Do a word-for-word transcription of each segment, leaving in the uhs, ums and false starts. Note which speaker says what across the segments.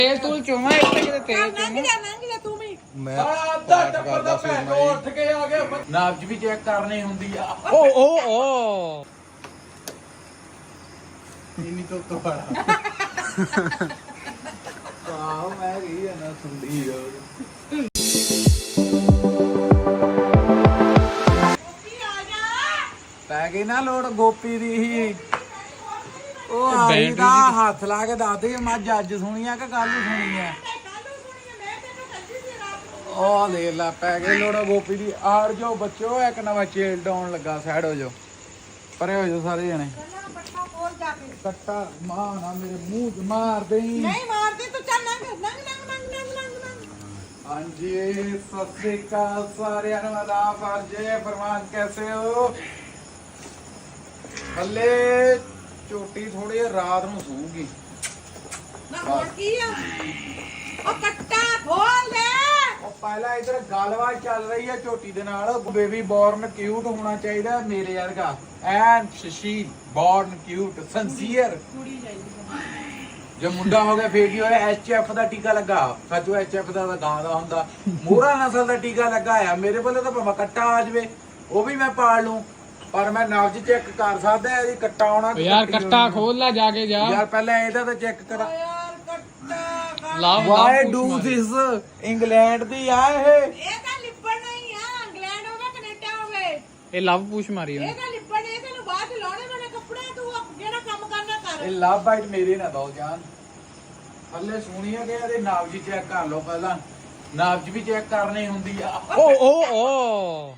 Speaker 1: ਤੇਲ ਤੂਲ ਚੋਵਾ ਇੱਥੇ ਕਿਤੇ ਤੇਲ
Speaker 2: ਲੰਘ
Speaker 1: ਚੋਵਾ
Speaker 2: ਜਾ ਲੰਘ ਜਾ ਤੂੰ ਵੀ।
Speaker 3: ਮੈਂ ਅੱਧਾ ਟੱਪਰ ਦਾ ਭੈਣ ਚੋ ਉੱਠ ਕੇ ਆ ਗਿਆ।
Speaker 4: ਨਾਬਜ ਵੀ ਚੈੱਕ ਕਰਨੀ ਹੁੰਦੀ ਆ।
Speaker 1: ਓ ਓ ਓ
Speaker 3: ਇੰਨੀ ਤੋਂ ਤੋਂ ਵਾਲਾ ਆਹ ਮੈਂ ਗਈ ਆ ਨਾ ਸੁਣਦੀ ਰੋਜ਼ ਪੈ ਗਈ ਨਾ ਲੋੜ ਗੋਪੀ ਦੀ ਹੀ। ਉਹ ਆਈ ਦਾ ਹੱਥ ਲਾ ਕੇ ਦੱਸਦੀ ਮੈਂ ਅੱਜ ਸੁਣੀ ਆ ਕਿ ਕੱਲ ਸੁਣੀ ਆ। ਉਹ ਲੈ ਲਾ ਪੈ ਗਈ ਲੋੜ ਗੋਪੀ ਦੀ। ਆੜ ਜੋ ਬੱਚੋ ਇੱਕ ਨਵਾਂ ਚੇਲ ਡਾਉਣ ਲੱਗਾ। ਸਾਈਡ ਹੋ ਜਾਓ, ਪਰੇ ਹੋ ਜਾਓ ਸਾਰੇ ਜਣੇ। ਕੱਟਾ ਮਾਂ ਨਾ ਮੇਰੇ ਮੂੰਹ 'ਚ ਮਾਰ ਦੇਈ।
Speaker 2: ਨਹੀਂ ਮਾਰਦੀ ਤੂੰ, ਚੱਲ ਲੰਘ ਲੰਘ ਲੰਘ ਲੰਘ ਲੰਘ ਲੰਘ ਲੰਘ।
Speaker 3: ਹਾਂਜੀ ਸਤਿ ਸ੍ਰੀ ਅਕਾਲ ਸਾਰਿਆਂ ਨੂੰ। ਆਦਾਬ ਅਰਜੇ ਫਰਮਾਨ ਕੈਸੇ ਹੋ? ਹਲੇ ਝੋਟੀ ਥੋੜੀ ਰਾਤ ਨੂੰ ਸੂਗੀ
Speaker 2: ਨਾ ਹੋਰ ਕੀ ਆ? ਉਹ ਕੱਟਾ ਖੋਲ ਦੇ।
Speaker 3: ਉਹ ਪਹਿਲਾਂ ਇਧਰ ਗੱਲਬਾਤ ਚੱਲ ਰਹੀ ਹੈ ਝੋਟੀ ਦੇ ਨਾਲ। ਬੇਬੀ ਬੋਰਨ ਕਿਊਟ ਹੋਣਾ ਚਾਹੀਦਾ ਮੇਰੇ ਵਰਗਾ। ਐਨ ਸ਼ਸ਼ੀ ਬੋਰਨ ਕਿਊਟ ਸਿੰਸੀਅਰ। ਜੇ ਮੁੰਡਾ ਹੋ ਗਿਆ ਫੇਰ ਕੀ ਹੋਇਆ? ਐਚ ਐਫ ਦਾ ਟੀਕਾ ਲੱਗਾ। ਸੱਚੋ ਐਚ ਐਫ ਦਾ ਗਾਂ ਦਾ ਹੁੰਦਾ। ਮੋਹਰਾ ਨਸਲ ਦਾ ਟੀਕਾ ਲੱਗਾ ਆ। ਮੇਰੇ ਵੱਲੋਂ ਤਾਂ ਭਾਵੇਂ ਕੱਟਾ ਆ ਜਾਵੇ ਉਹ ਵੀ ਮੈਂ ਪਾਲ ਲੂੰ, ਪਰ ਮੈਂ ਨਬਜ ਚੈੱਕ ਕਰ ਸਕਦਾ ਇਹਦੀ ਕੱਟਾ ਆਉਣਾ।
Speaker 1: ਯਾਰ ਕੱਟਾ ਖੋਲ ਲੈ ਜਾ ਕੇ ਜਾ
Speaker 3: ਯਾਰ ਪਹਿਲਾਂ ਇਹਦਾ ਤਾਂ ਚੈੱਕ ਕਰਾ।
Speaker 2: ਯਾਰ ਕੱਟਾ
Speaker 1: love
Speaker 3: why do this? England ਦੀ ਆ ਇਹ।
Speaker 2: ਇਹ ਤਾਂ ਲਿਪੜ ਨਹੀਂ ਆ। ਇੰਗਲੈਂਡ ਹੋਵੇ ਕੈਨੇਡਾ ਹੋਵੇ,
Speaker 1: ਇਹ ਲਵ ਪੂਛ ਮਾਰੀ
Speaker 2: ਇਹ
Speaker 1: ਉਹਨੇ।
Speaker 2: ਤਾਂ ਲਿਪੜ ਇਹ ਤੈਨੂੰ ਬਾਅਦ ਚ ਲਾਉਣੇ ਵਾਲੇ ਕੱਪੜੇ। ਤੂੰ ਜਿਹੜਾ ਕੰਮ ਕਰਨਾ ਕਰ।
Speaker 3: ਇਹ ਲਵ ਬਾਈਟ ਮੇਰੇ ਨਾ ਦੋ ਜਾਨ। ਹੱਲੇ ਸੁਣੀਆ ਕਿ ਇਹਦੇ ਨਾਬਜ ਚੈੱਕ ਕਰ ਲਓ ਪਹਿਲਾਂ। ਨਾਬਜ ਵੀ ਚੈੱਕ ਕਰਨੀ ਹੁੰਦੀ ਆ।
Speaker 1: ਓ ਓ ਓ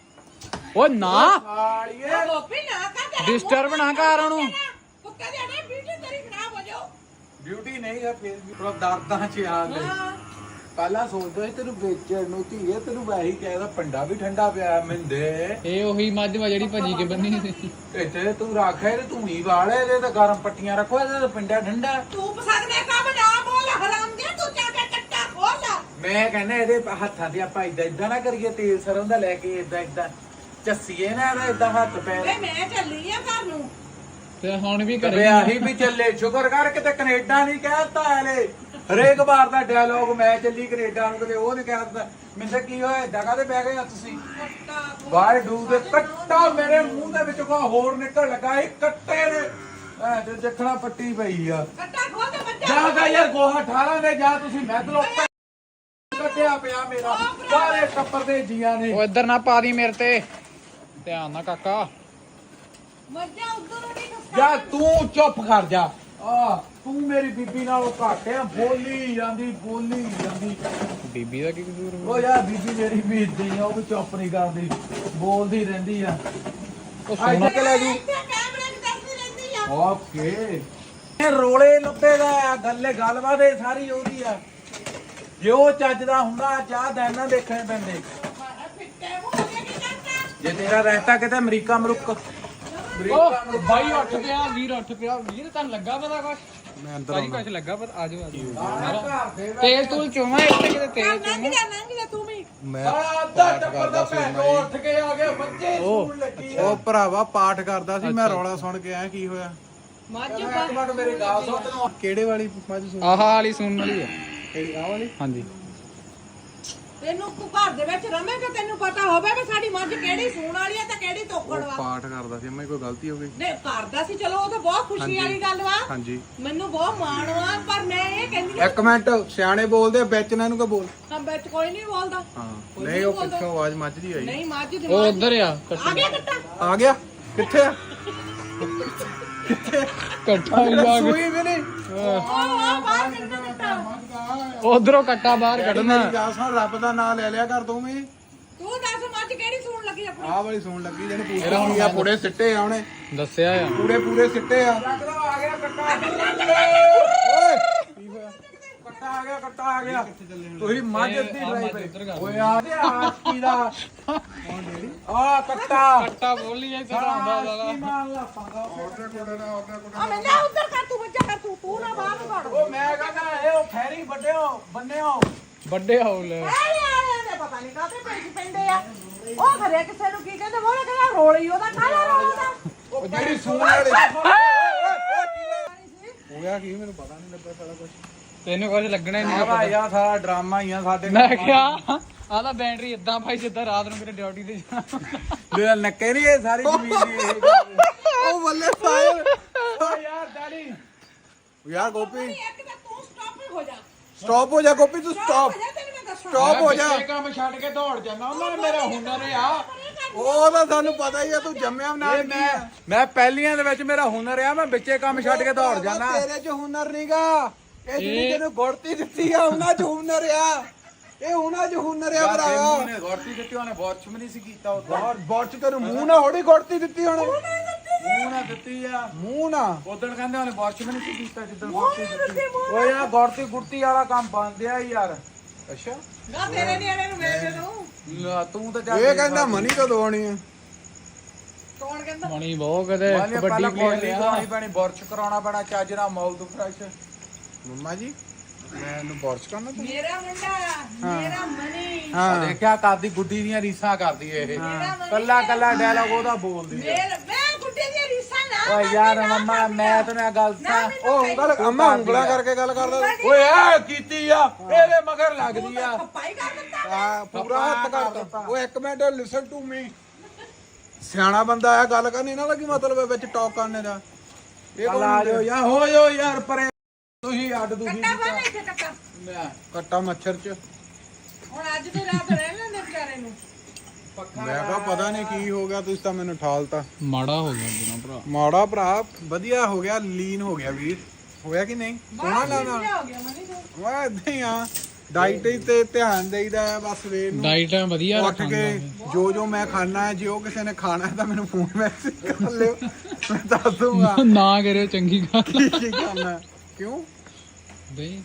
Speaker 1: ਓ ਨਾ
Speaker 3: ਸਾਲੀਏ
Speaker 2: ਉਹ ਗੋਪੀ ਨਾ ਕਰ ਤੇਰਾ
Speaker 1: ਡਿਸਟਰਬ
Speaker 2: ਮੂੰਹ
Speaker 1: ਨਾ ਕਰ ਉਹਨੂੰ।
Speaker 2: ਕੁੱਤੇ ਦੇ ਆਣੇ ਬਿਊਟੀ ਤੇਰੀ ਖਰਾਬ ਹੋ ਜਾਓ।
Speaker 3: ਬਿਊਟੀ ਨਹੀਂ ਹੈ ਫਿਰ ਵੀ ਥੋੜਾ ਦਰਦਾਂ ਚ ਆ ਲੈ।
Speaker 2: ਹਾਂ
Speaker 3: ਪਹਿਲਾਂ ਸੋਚਦਾ ਸੀ ਤੈਨੂੰ ਵੇਚਣ ਨੂੰ ਧੀਏ, ਤੈਨੂੰ ਵੈਸੇ ਹੀ ਕਹਿਦਾ ਪੰਡਾ ਵੀ ਠੰਡਾ ਪਿਆ ਮਿੰਦੇ।
Speaker 1: ਇਹ ਉਹੀ ਮੱਝ ਵਾ ਜਿਹੜੀ ਭੱਜੀ ਕੇ ਬੰਨੀ ਸੀ।
Speaker 3: ਇੱਥੇ ਤੂੰ ਰੱਖ ਇਹਦੇ ਧੂਣੀ ਵਾਲੇ ਇਹਦੇ ਤਾਂ ਗਰਮ ਪੱਟੀਆਂ ਰੱਖੋ। ਇਹਦੇ ਤਾਂ ਪਿੰਡਾ ਠੰਡਾ।
Speaker 2: ਤੂੰ ਪਸੰਦ ਦੇ ਕੰਮ ਨਾ ਬੋਲ ਹਰਾਮ ਦੇ। ਤੂੰ ਜਾ ਕੇ ਕੱਟਾ ਖੋਲ ਲੈ।
Speaker 3: ਮੈਂ ਕਹਿੰਦਾ ਇਹਦੇ ਹੱਥਾਂ ਤੇ ਆਪਾਂ ਇਦਾਂ ਇਦਾਂ ਨਾ ਕਰੀਏ। ਤੇਲ ਸਰੋਂ ਦਾ ਲੈ ਕੇ ਇਦਾਂ ਇਦਾਂ ਚੱਸੀਏ ਨਾ ਇਹਦਾ ਇਦਾਂ ਹੱਥ
Speaker 2: ਵੇ
Speaker 3: ਪੈਰ।
Speaker 2: ਮੈਂ ਚੱਲੀ ਆ ਘਰ ਨੂੰ।
Speaker 1: ਤੇ ਹੁਣ ਵੀ
Speaker 3: ਕਦੇ
Speaker 1: ਘਰੇ
Speaker 3: ਆਹੀ ਵੀ ਚੱਲੇ। ਸ਼ੁਕਰ ਕਰ ਕਿਤੇ ਕੈਨੇਡਾ ਨਹੀਂ ਕਹਿਤਾ ਇਹਨੇ। ਹਰੇਕ ਵਾਰ ਦਾ ਡਾਇਲੋਗ ਮੈਂ ਚੱਲੀ ਕੈਨੇਡਾ ਨੂੰ, ਕਦੇ ਉਹ ਨਹੀਂ ਕਹਿਤਾ। ਮੈਨੂੰ ਤਾਂ ਕੀ ਹੋਇਆ ਏਦਾਂ ਕਾਹਦੇ ਬਹਿ ਗਏ ਆ ਤੁਸੀਂ?
Speaker 2: ਕੱਟਾ ਖੋਲ।
Speaker 3: ਵਾਈ ਡੂ ਦੇ ਕੱਟਾ ਮੇਰੇ ਮੂੰਹ ਦੇ ਵਿੱਚ ਕੋ ਹੋਰ ਨਿਕਲ ਲੱਗਾ। ਇਹ ਕੱਟੇ ਨੇ ਐ ਤੇ ਦੇਖਣਾ ਪੱਟੀ ਪਈ ਆ।
Speaker 2: ਕੱਟਾ ਖੋਲ ਦੇ ਬੱਚਾ।
Speaker 3: ਜਾ ਗਾ ਯਾਰ ਗੋਹਾ ਠਾਲਾਂ ਦੇ ਜਾ ਤੁਸੀਂ। ਮੈਂ ਤਲੋ ਕੱਟਿਆ ਪਿਆ ਮੇਰਾ ਸਾਰੇ ਟੱਪਰ ਦੇ ਜੀਆਂ ਨੇ।
Speaker 1: ਉਹ ਇੱਧਰ ਨਾ ਪਾ ਦੀ ਮੇਰੇ ਤੇ। ਧਿਆਨ ਨਾਲ ਕਾਕਾ।
Speaker 2: ਮੱਝਾਂ ਉਧਰ ਨਹੀਂ ਖਸਤਾ।
Speaker 3: ਜਾ ਤੂੰ ਚੁੱਪ ਕਰ ਜਾ। ਆ ਤੂੰ ਮੇਰੀ ਬੀਬੀ ਨਾਲੋਂ ਘੱਟ ਆ। ਬੋਲੀ ਜਾਂਦੀ ਬੋਲੀ ਜਾਂਦੀ।
Speaker 1: ਬੀਬੀ ਦਾ ਕੀ ਕਸੂਰ
Speaker 3: ਉਹ ਯਾਰ ਬੀਬੀ ਮੇਰੀ ਬੀਬੀ ਆ, ਉਹ ਵੀ ਚੁੱਪ ਨਹੀਂ ਕਰਦੀ, ਬੋਲਦੀ ਰਹਿੰਦੀ ਆ।
Speaker 1: ਉਹ
Speaker 3: ਆਈ
Speaker 1: ਸੋਨਾ
Speaker 3: ਤੱਕ ਲੈ ਜੂ।
Speaker 2: ਇੱਥੇ ਕੈਮਰੇ 'ਚ ਦੱਸਦੀ ਰਹਿੰਦੀ ਆ।
Speaker 3: ਓਕੇ ਇਹ ਰੋਲੇ ਲੱਭੇ ਦਾ ਆ। ਗੱਲੇ ਗੱਲਬਾਤ ਇਹ ਸਾਰੀ ਉਹਦੀ ਆ। ਜੇ ਉਹ ਚੱਜ ਦਾ ਹੁੰਦਾ ਚਾਹ ਦਿਨ ਨਾ ਦੇਖਣੇ ਪੈਂਦੇ।
Speaker 2: ਮਾਰਾ ਫਿੱਟੇ ਹੋ ਗਏ ਕੀ ਕਰਦਾ?
Speaker 3: ਜੇ ਤੇਰਾ ਰਹਿਤਾ ਕਿਤੇ ਅਮਰੀਕਾ ਮਰੁੱਕ
Speaker 1: ਉਹ ਬਾਈ ਉੱਠ ਪਿਆ, ਵੀਰ ਉੱਠ ਪਿਆ। ਵੀਰ ਤੁਹਾਨੂੰ ਲੱਗਾ ਪਤਾ ਕੁਛ?
Speaker 3: ਮੈਂ ਅੰਦਰ
Speaker 1: ਭਾਜੀ ਕੁਛ ਲੱਗਾ ਪਤਾ? ਆਜੋ ਆਜੋ।
Speaker 3: ਘਰ ਦੇ
Speaker 1: ਤੇਲ ਤੂਲ ਚੋਵਾ ਇੱਥੇ ਕਿਤੇ ਤੇਲ
Speaker 2: ਲੰਘ
Speaker 1: ਚੋਵਾ।
Speaker 2: ਜਾ ਲੰਘ ਜਾ ਤੂੰ ਵੀ।
Speaker 3: ਮੈਂ ਅੱਧਾ ਟੱਪਰ ਦਾ ਭੈਣ ਚੋ ਉੱਠ ਕੇ ਆ ਗਿਆ। ਬੱਚੇ ਸੂਣ ਲੱਗੀ ਆ।
Speaker 5: ਉਹ ਭਰਾਵਾ ਪਾਠ ਕਰਦਾ ਸੀ। ਮੈਂ ਰੌਲਾ ਸੁਣ ਕੇ ਆਇਆ ਕੀ ਹੋਇਆ।
Speaker 2: ਮੱਝ
Speaker 3: ਇੱਕ ਮਿੰਟ ਮੇਰੇ ਗਾਲ ਸੁਣ ਤੈਨੂੰ।
Speaker 5: ਕਿਹੜੇ ਵਾਲੀ ਮੱਝ ਸੁਣ?
Speaker 1: ਆਹ ਵਾਲੀ ਸੁਣਨ ਵਾਲੀ ਆ।
Speaker 5: ਕਿਹੜੀ ਆਹ ਵਾਲੀ?
Speaker 1: ਹਾਂਜੀ
Speaker 2: ਤੈਨੂੰ ਤੂੰ ਘਰ ਦੇ ਵਿੱਚ ਰਵੇਂਗਾ ਤੈਨੂੰ ਪਤਾ ਹੋਵੇ ਵੀ ਸਾਡੀ ਮੱਝ ਕਿਹੜੀ ਸੂਣ ਵਾਲੀ ਆ ਤੇ ਕਿਹੜੀ ਤੋਕੜ
Speaker 5: ਉਹ
Speaker 2: ਵਾ।
Speaker 5: ਪਾਠ ਕਰਦਾ ਸੀ। ਮੈਂ ਕੋਈ ਗਲਤੀ ਹੋ ਗਈ?
Speaker 2: ਨਹੀਂ ਕਰਦਾ ਸੀ ਚਲੋ ਉਹ ਤਾਂ ਬਹੁਤ ਖੁਸ਼ੀ ਵਾਲੀ ਗੱਲ ਵਾ।
Speaker 5: ਹਾਂਜੀ
Speaker 2: ਮੈਨੂੰ ਬਹੁਤ ਮਾਣ ਵਾ, ਪਰ ਮੈਂ ਇਹ ਕਹਿੰਦੀ ਆ
Speaker 5: ਇੱਕ ਮਿੰਟ ਸਿਆਣੇ ਬੋਲਦੇ ਆ, ਵਿੱਚ ਨਾ ਇਹਨੂੰ ਕੋ ਬੋਲ।
Speaker 2: ਤਾਂ ਵਿੱਚ ਕੋਈ ਨਹੀਂ ਬੋਲਦਾ।
Speaker 5: ਹਾਂ
Speaker 2: ਕੋਈ
Speaker 5: ਨਹੀਂ ਉਹ
Speaker 2: ਬੋਲਦਾ।
Speaker 5: ਪਿੱਛੋਂ ਆਵਾਜ਼ ਮੱਝ ਦੀ ਆਈ।
Speaker 2: ਨਹੀਂ ਮੱਝ ਦੀ
Speaker 1: ਉਹ ਉਧਰ ਆ
Speaker 2: ਆ ਗਿਆ ਕੱਟਾ।
Speaker 5: ਆ ਗਿਆ ਕਿੱਥੇ ਆ?
Speaker 1: ਕੱਟਾ ਹੀ ਆ
Speaker 5: ਸੂਈ ਵੀ ਨਹੀਂ।
Speaker 2: ਉਹ ਆ ਬਾਹਰ ਕੱਟਾ ਕੱਟਾ।
Speaker 1: ਉਧਰੋਂ ਕੱਟਾ ਬਾਹਰ ਕੱਢਣਾ।
Speaker 5: ਮੇਰੀ ਗੱਲ ਸੁਣ, ਰੱਬ ਦਾ ਨਾਮ ਲੈ ਲਿਆ ਕਰ ਤੂੰ ਵੀ।
Speaker 2: ਤੂੰ ਦੱਸ ਮੱਝ ਕਿਹੜੀ ਸੂਣ ਲੱਗੀ ਆਪਣੀ?
Speaker 5: ਆਹ ਵਾਲੀ ਸੁਣ ਲੱਗੀ ਜਿਹਨੂੰ ਪੁੱਛਿਆ ਹੁਣ ਆ। ਪੂੜੇ ਸਿੱਟੇ ਆ ਉਹਨੇ।
Speaker 1: ਦੱਸਿਆ ਆ।
Speaker 5: ਪੂੜੇ ਪੂਰੇ ਸਿੱਟੇ ਆ।
Speaker 3: ਆ ਗਿਆ ਕੱਟਾ।
Speaker 5: ਓਏ ਕੀ ਹੋਇਆ?
Speaker 3: ਕੱਟਾ ਆ ਗਿਆ ਕੱਟਾ ਆ ਗਿਆ। ਤੁਸੀਂ ਮੱਝ ਅੱਧੀ
Speaker 1: ਆਹ ਮੱਝ
Speaker 3: ਡਰਾਈ
Speaker 1: ਉੱਧਰ ਕਰ।
Speaker 3: ਓਏ ਆ ਤੇ ਆਸ਼ਕੀ ਦਾ ਆ ਕੱਟਾ
Speaker 1: ਕੱਟਾ ਬੋਲੀ ਐ ਤੇਰਾ ਹੁੰਦਾ ਸਾਲਾ।
Speaker 3: ਆਸ਼ਕੀ ਮਾਰ ਲਾ ਪੰਗਾ।
Speaker 2: ਆ ਮੈਂ ਲੈ ਉੱਧਰ ਕਰ ਤੂੰ ਬੱਚਾ ਕਰ ਤੂੰ ਤੂੰ ਨਾ ਬਾਹਰ ਨੂੰ
Speaker 3: ਉਹ ਮੈਂ ਕਹਿੰਦਾ ਇਹ ਉਹ ਖੈਰੀ ਵੱਡਿਓ ਬੰਨਿਓ।
Speaker 1: ਵੱਡੇ ਹੌਲ
Speaker 2: ਆਲੇ ਆਲੇ ਦੇ ਪਤਾ ਨਹੀਂ ਕਾਹਦੇ ਪੈਸੇ ਪੈਂਦੇ ਆ। ਉਹ ਘਰੇ ਕਿਸੇ ਨੂੰ ਕੀ ਕਹਿੰਦੇ ਉਹ ਕਹਿੰਦਾ ਰੋਲੀ ਉਹਦਾ ਕਾਹਦਾ ਰੋਲ ਦਾ।
Speaker 5: ਉਹ ਜਿਹੜੀ ਸੂਣ ਵਾਲੀ ਹੋ ਗਿਆ ਕੀ ਮੈਨੂੰ ਪਤਾ ਨਹੀਂ ਲੱਗਾ ਸਾਰਾ ਕੁਝ।
Speaker 1: ਤੈਨੂੰ ਕੁਝ ਲੱਗਣਾ ਹੀ ਨਹੀਂ
Speaker 3: ਸਾਰਾ
Speaker 1: ਪਤਾ
Speaker 3: ਯਾਰ ਸਾਰਾ ਡਰਾਮਾ ਹੀ ਆ ਸਾਡੇ
Speaker 1: ਮੈਂ ਕਿਹਾ ਆਹ ਤਾਂ ਬੈਟਰੀ ਇਦਾਂ ਭਾਈ ਜਿੱਦਾਂ ਰਾਤ ਨੂੰ ਕਿਤੇ ਡਿਊਟੀ ਤੇ ਜਾਣਾ
Speaker 3: ਮੇਰੇ ਨੱਕੇ ਨਹੀਂ ਇਹ ਸਾਰੀ ਜ਼ਮੀਨ ਦੀ ਇਹ ਗੱਲ।
Speaker 5: ਉਹ ਬੱਲੇ ਸਾਹਿਬ
Speaker 3: ਓ ਯਾਰ ਡੈਡੀ
Speaker 5: ਯਾਰ ਗੋਪੀ
Speaker 2: ਇੱਕ ਤਾਂ ਤੂੰ ਸਟਾਪ ਹੋ ਜਾ
Speaker 5: ਸਟਾਪ ਹੋ ਜਾ ਗੋਪੀ ਤੂੰ ਸਟਾਪ
Speaker 2: ਹੋ ਜਾ ਤੈਨੂੰ ਮੈਂ ਦੱਸਾਂ
Speaker 5: ਸਟਾਪ ਹੋ ਜਾ
Speaker 3: ਇਹ ਕੰਮ ਛੱਡ ਕੇ ਦੌੜ ਜਾਂਦਾ ਉਹਨਾਂ ਨੇ ਮੇਰਾ ਹੁਨਰ ਆ
Speaker 5: ਉਹ ਤਾਂ ਸਾਨੂੰ ਪਤਾ ਹੀ ਆ ਤੂੰ ਜੰਮਿਆ ਨਾਲ
Speaker 3: ਇਹ ਮੈਂ ਮੈਂ ਪਹਿਲੀਆਂ ਦੇ ਵਿੱਚ ਮੇਰਾ ਹੁਨਰ ਆ ਮੈਂ ਵਿੱਚੇ ਕੰਮ ਛੱਡ ਕੇ ਦੌੜ ਜਾਂਦਾ
Speaker 5: ਤੇਰੇ 'ਚ ਹੁਨਰ ਨਹੀਂਗਾ ਇਹ ਜਿਹੜੀ ਤੈਨੂੰ ਗੁੜਤੀ ਦਿੱਤੀ ਆ ਉਹਨਾਂ 'ਚ ਹੁਨਰ ਆ ਇਹ ਉਹਨਾਂ 'ਚ ਹੁਨਰ ਆ ਭਰਾਵਾ
Speaker 3: ਨੇ ਗੌਰਤੀ ਦਿੱਤੀ ਉਹਨੇ ਬੋਰਚ ਵੀ ਨਹੀਂ ਸੀ ਕੀਤਾ ਉਹ
Speaker 5: ਬਹੁਤ ਬਹੁਤ ਤੈਨੂੰ ਮੂੰਹ ਨਾ ਹੋੜੀ ਗੁੜਤੀ ਦਿੱਤੀ ਉਹਨੇ
Speaker 3: ਮੂੰਹ ਨਾ ਦਿੱਤੀ ਆ
Speaker 5: ਮੂੰਹ ਨਾ
Speaker 3: ਉਦੋਂ ਕਹਿੰਦੇ ਉਹਨੇ ਬੋਰਚ ਵੀ ਨਹੀਂ ਸੀ ਕੀਤਾ ਜਿੱਦਣ ਗੌਰਤੀ ਦਿੱਤੀ ਓ ਯਾਰ ਗੌਰਤੀ ਗੁਰਤੀ ਵਾਲਾ ਕੰਮ ਬੰਦਿਆ ਯਾਰ
Speaker 5: ਅੱਛਾ
Speaker 2: ਨਾ ਤੇਰੇ ਨਿਆਣੇ ਨੂੰ ਮੈਂ ਦੇ ਦੂੰ
Speaker 3: ਲੈ, ਤੂੰ ਤਾਂ ਜਾ
Speaker 5: ਇਹ ਕਹਿੰਦਾ ਮਨੀ ਤਾਂ ਦਵਾਉਣੀ ਆ
Speaker 2: ਕੌਣ ਕਹਿੰਦਾ
Speaker 1: ਮਣੀ ਬਹੁਤ ਕਦੇ
Speaker 3: ਪਹਿਲਾਂ
Speaker 1: ਕਬੱਡੀ
Speaker 3: ਕੋਲੀ
Speaker 1: ਪਲੇਅਰ
Speaker 3: ਕਰਾਉਣੀ ਪੈਣੀ ਬੋਰਚ ਕਰਾਉਣਾ ਪੈਣਾ ਚੱਜ ਨਾਲ ਮੌਲ ਤੋਂ ਫਰੈਸ਼
Speaker 5: ਮੰਮਾ ਜੀ ਮੈਂ ਇਹਨੂੰ ਬੋਰਚ ਕਰਨਾ ਤੂੰ
Speaker 2: ਮੇਰਾ ਮੁੰਡਾ ਮੇਰਾ ਮਨੀ
Speaker 5: ਹਾਂ
Speaker 3: ਦੇਖਿਆ ਕਰਦੀ ਗੁੱਡੀ ਦੀਆਂ ਰੀਸਾਂ ਕਰਦੀ ਇਹ ਕੱਲਾ ਕੱਲਾ ਡਾਇਲੌਗ ਉਹਦਾ ਬੋਲਦੀ ਆ
Speaker 2: ਮੇਰਾ ਮੈਂ ਗੁੱਡੇ ਦੀ ਰੀਸਾਂ ਨਾ
Speaker 3: ਓ ਯਾਰ ਮੰਮਾ ਮੈਂ ਤੈਨੂੰ ਇਹ ਗੱਲ ਦੱਸਾਂ
Speaker 5: ਉਹ ਉਂਗਲ ਅੰਮਾ ਉਂਗਲਾਂ ਕਰਕੇ ਗੱਲ ਕਰਦਾ
Speaker 3: ਓਏ ਆ ਕੀਤੀ ਆ ਇਹਦੇ ਮਗਰ ਲੱਗਦੀ ਆ
Speaker 2: ਪਾਈ ਕਰ ਦਿੱਤਾ
Speaker 5: ਆ ਪੂਰਾ ਹੱਥ ਕਰਤਾ ਉਹ ਇੱਕ ਮਿੰਟ ਲਿਸਨ ਟੂ ਮੀ ਸਿਆਣਾ ਬੰਦਾ ਆ ਗੱਲ ਕਰਨੀ ਇਹਨਾਂ ਦਾ ਕੀ ਮਤਲਬ ਹੈ ਵਿੱਚ ਟਾਕ ਕਰਨੇ ਦਾ ਇਹ
Speaker 3: ਚੱਲ ਆ ਜਾਓ ਯਾਰ ਹੋ ਜਾਓ ਯਾਰ ਪਰੇ ਤੁਸੀਂ ਅੱਡ ਤੁਸੀਂ
Speaker 2: ਕੱਟਾ ਬੰਨ ਇੱਥੇ ਕੱਟਾ
Speaker 3: ਲੈ
Speaker 5: ਕੱਟਾ ਮੱਛਰ ਚ
Speaker 2: ਹੁਣ ਅੱਜ ਦੀ ਰਾਤ ਰਹਿ ਲੈਂਦੇ ਵਿਚਾਰੇ ਨੂੰ
Speaker 5: ਮੈਂ ਕਿਹਾ ਪਤਾ ਨਹੀਂ ਕੀ ਹੋ ਗਿਆ ਤੁਸੀਂ ਤਾਂ ਮੈਨੂੰ ਠਾਲਤਾ
Speaker 1: ਮਾੜਾ ਹੋ ਗਿਆ ਬਿਨਾ ਭਰਾ
Speaker 5: ਮਾੜਾ ਭਰਾ ਵਧੀਆ ਹੋ ਗਿਆ ਲੀਨ ਹੋ ਗਿਆ ਵੀਰ ਹੋਇਆ ਕਿ ਨਹੀਂ ਸੋਹਣਾ ਲਾਣਾ
Speaker 2: ਹੋ ਗਿਆ ਮਨੀ ਤੋਂ
Speaker 5: ਵਾ ਇਦਾਂ ਹੀ ਆ ਡਾਈਟ ਤੇ ਧਿਆਨ ਦੇਈਦਾ ਹੈ ਬਸ ਸਵੇਰ ਨੂੰ
Speaker 1: ਡਾਈਟ ਵਧੀਆ
Speaker 5: ਉੱਠ ਕੇ ਜੋ ਜੋ ਮੈਂ ਖਾਣਾ ਹੈ ਜੇ ਉਹ ਕਿਸੇ ਨੇ ਖਾਣਾ ਹੈ ਤਾਂ ਮੈਨੂੰ ਫੋਨ ਮੈਸੇਜ ਕਰ ਲਿਓ ਮੈਂ ਦੱਸ ਦੂੰਗਾ
Speaker 1: ਨਾ ਕਰਿਓ ਚੰਗੀ ਗੱਲ
Speaker 5: ਕੀ ਕੀ ਖਾਣਾ ਹੈ। ਕਿਉਂ
Speaker 1: ਬਈ